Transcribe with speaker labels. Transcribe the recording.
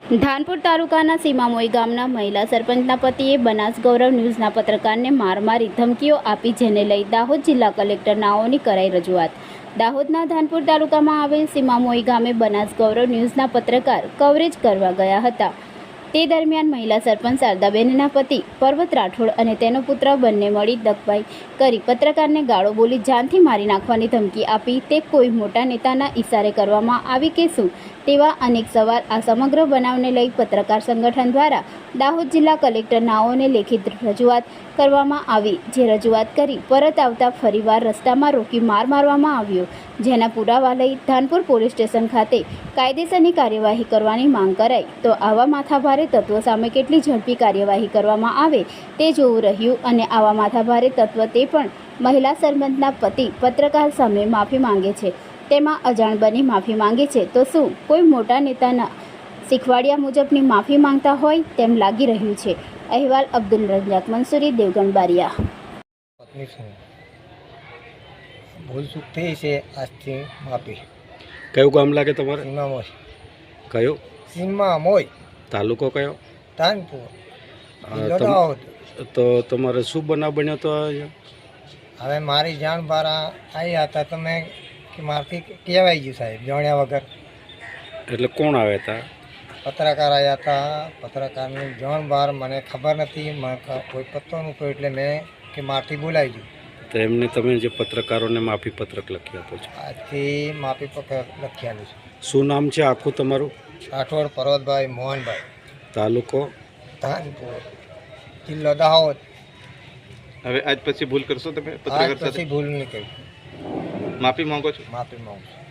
Speaker 1: ધાનપુર તાલુકાના સીમામોઈ ગામના મહિલા સરપંચના પતિએ બનાસ ગૌરવ ન્યૂઝના પત્રકારને માર મારી ધમકીઓ આપી, જેને લઈ દાહોદ જિલ્લા કલેક્ટર નાઓની કરાઈ રજૂઆત। દાહોદના ધાનપુર તાલુકામાં આવેલ સીમામોઈ ગામે બનાસ ગૌરવ ન્યૂઝના પત્રકાર કવરેજ કરવા ગયા હતા। તે દરમિયાન મહિલા સરપંચ શારદાબેનના પતિ પર્વત રાઠોડ અને તેનો પુત્ર બંને મળી દગબાઈ કરી પત્રકારને ગાળો બોલી જાનથી મારી નાખવાની ધમકી આપી। તે કોઈ મોટા નેતાના ઇશારે કરવામાં આવી કે શું, તેવા અનેક સવાલ આ સમગ્ર બનાવને લઈ પત્રકાર સંગઠન દ્વારા દાહોદ જિલ્લા કલેક્ટર નાઓને લેખિત રજૂઆત કરવામાં આવી, જે રજૂઆત કરી પરત આવતા ફરીવાર રસ્તામાં રોકી માર મારવામાં આવ્યો, જેના પુરાવા લઈ ધાનપુર પોલીસ સ્ટેશન ખાતે કાયદેસરની કાર્યવાહી કરવાની માંગ કરાઈ। તો આવા માથાભારે તત્વો સામે કેટલી ઝડપી કાર્યવાહી કરવામાં આવે તે જોવું રહ્યું, અને આવા માથાભારે તત્વ તે પણ મહિલા સરપંચના પતિ પત્રકાર સામે માફી માંગે છે, તેમાં અજાણ બની માફી માંગે છે। તો શું કોઈ મોટા નેતાના શીખવાડિયા મુજબની માફી માંગતા હોય તેમ લાગી રહ્યું છે। અહેવાલ અબ્દુલ રજાક મંસૂરી, દેવગણ બારિયા।
Speaker 2: પત્ની છું, ભૂલ ચૂક થઈ છે, આજથી માફી।
Speaker 3: કયું ગામ લાગે તમારે?
Speaker 2: સીમામોઈ।
Speaker 3: કયું?
Speaker 2: સીમામોઈ,
Speaker 3: તાલુકો કયો?
Speaker 2: ધાનપુર, જિલ્લો દાહોદ।
Speaker 3: તો તમારે શું બનાવ બન્યો તો અહીંયા?
Speaker 2: હવે મારી જાણ બહાર આવ્યા હતા, તમે કે મારથી કહેવાય ગયું સાહેબ, જાણ્યા વગર।
Speaker 3: એટલે કોણ આવ્યા હતા?
Speaker 2: પત્રકાર આવ્યા હતા, પત્રકારની જાણ બહાર મને ખબર નથી, કોઈ પત્તો નહોતો, એટલે મેં કે મારથી બોલાવી ગયું।
Speaker 3: તો એમને તમે જે પત્રકારોને માફી પત્રક લખી આપો છો,
Speaker 2: આજથી માફી પત્ર લખ્યાનું છે।
Speaker 3: શું નામ છે આખું તમારું?
Speaker 2: રાઠોડ પર્વતભાઈ મોહનભાઈ,
Speaker 3: તાલુકો?
Speaker 2: ધાનપુર, જિલ્લો દાહોદ।
Speaker 4: હવે આજ પછી ભૂલ કરશો તમે
Speaker 2: આજ
Speaker 4: પત્રકાર સાથે?
Speaker 2: પછી ભૂલ નહીં કરી,
Speaker 4: માફી માંગો છો?
Speaker 2: માફી માંગુ છું।